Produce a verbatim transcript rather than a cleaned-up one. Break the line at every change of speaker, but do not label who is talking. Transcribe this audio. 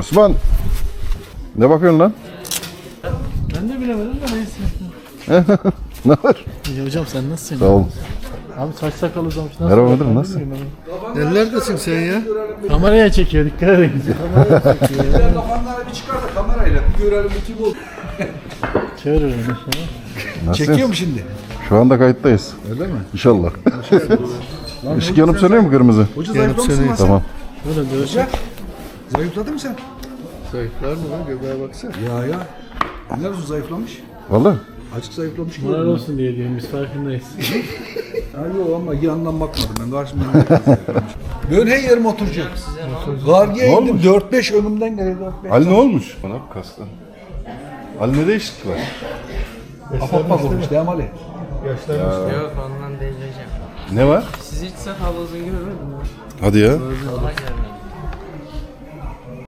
Osman. Ne bakıyorsun lan?
Ben de bilemedim de neyse.
Ne var?
İyi hocam sen nasılsın?
Sağ ol.
Abi saç sakal uzamış. Nasıl?
Merhaba müdürüm, nasılsın?
Nerelerdesin sen ya?
Kameraya çekiyor, dikkat edin. Kameraya çekiyor.
Sen kafanları bir çıkar da kamerayla bir görelim bu kim oldu.
Çevir öyle.
Nasılsın?
Çekiyor mu şimdi?
Şu anda kayıttayız.
Öyle mi?
İnşallah. Işık yanıp sönüyor mu kırmızı?
Hoca Yanıp zayıflamışsın sönüyor. lan sen.
Tamam.
Böyle dövüşür.
Hoca zayıfladın mı sen?
Zayıflar mı lan? Göbeğe baksana.
Ya ya. Ne olsun zayıflamış?
Vallahi.
Açık zayıflamış gibi.
Moral olsun diye diyorum, biz farkındayız.
Ha yok ama yandan bakmadım ben. Karşımda zayıflamış. Ben her yerim oturacak. Gargiye indim. dört beş önümden geliyor. dört beş.
Ali ne olmuş? Bana bak kastan. Ali ne değişiklik var?
Apapma vurmuş değil mi Ali?
Yok ondan değil hocam.
Ne var?
Siz hiç sakal uzun görmedin mi?
Hadi ya.
Allah görmedim.